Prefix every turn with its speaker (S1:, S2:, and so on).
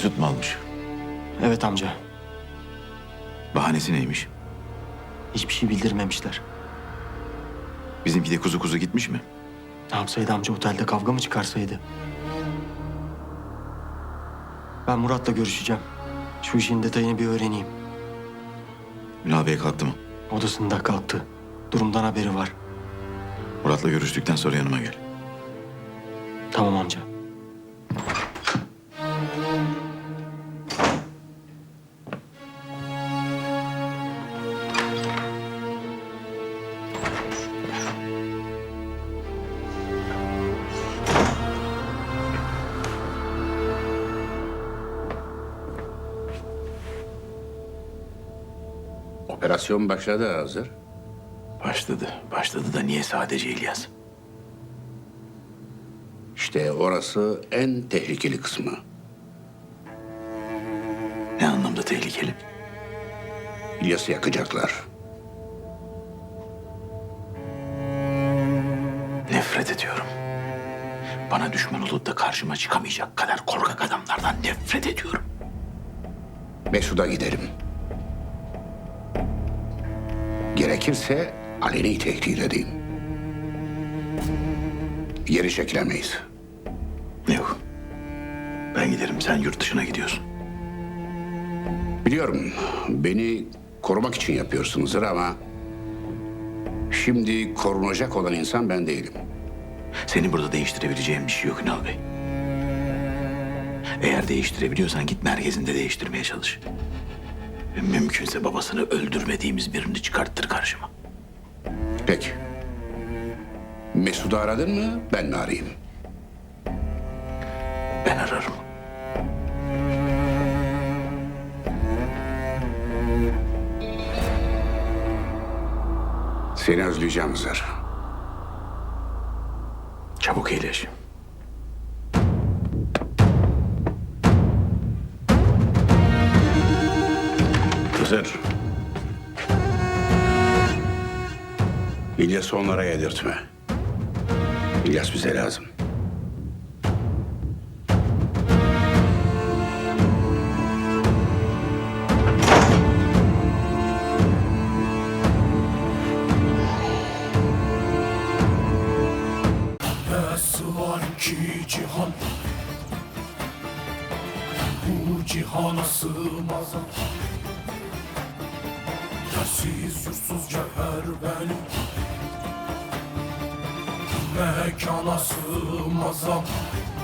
S1: Mesut mu almış?
S2: Evet amca.
S1: Bahanesi neymiş?
S2: Hiçbir şey bildirmemişler.
S1: Bizimki de kuzu kuzu gitmiş mi?
S2: Ne yapsaydı amca, otelde kavga mı çıkarsaydı? Ben Murat'la görüşeceğim. Şu işin detayını bir öğreneyim.
S1: Ünal Bey kalktı mı?
S2: Odasında kalktı. Durumdan haberi var.
S1: Murat'la görüştükten sonra yanıma gel.
S2: Tamam amca.
S3: Operasyon başladı hazır.
S1: Başladı. Başladı da niye sadece İlyas?
S3: İşte orası en tehlikeli kısmı.
S1: Ne anlamda tehlikeli?
S3: İlyas'ı yakacaklar.
S1: Nefret ediyorum. Bana düşman olup da karşıma çıkamayacak kadar korkak adamlardan nefret ediyorum.
S3: Mesut'a giderim. Gerekirse aleni tehdit edeyim. Geri çekilemeyiz.
S1: Yok. Ben giderim, sen yurt dışına gidiyorsun.
S3: Biliyorum beni korumak için yapıyorsunuzdur ama... ...şimdi korunacak olan insan ben değilim.
S1: Senin burada değiştirebileceğin bir şey yok Ünal Bey. Eğer değiştirebiliyorsan git merkezinde değiştirmeye çalış. Ve mümkünse babasını öldürmediğimiz birini çıkarttır karşıma.
S3: Peki. Mesut'u aradın mı ben mi arayayım?
S1: Ben ararım.
S3: Seni özleyeceğim Hızır.
S1: Çabuk iyileş.
S3: Hızır. İlyas'ı onlara yedirtme. İlyas bize lazım.
S4: Nasıl var ki cihan, bu cihana sığmaz. Yersiz yursuz cevher benim, mekana sığmaz.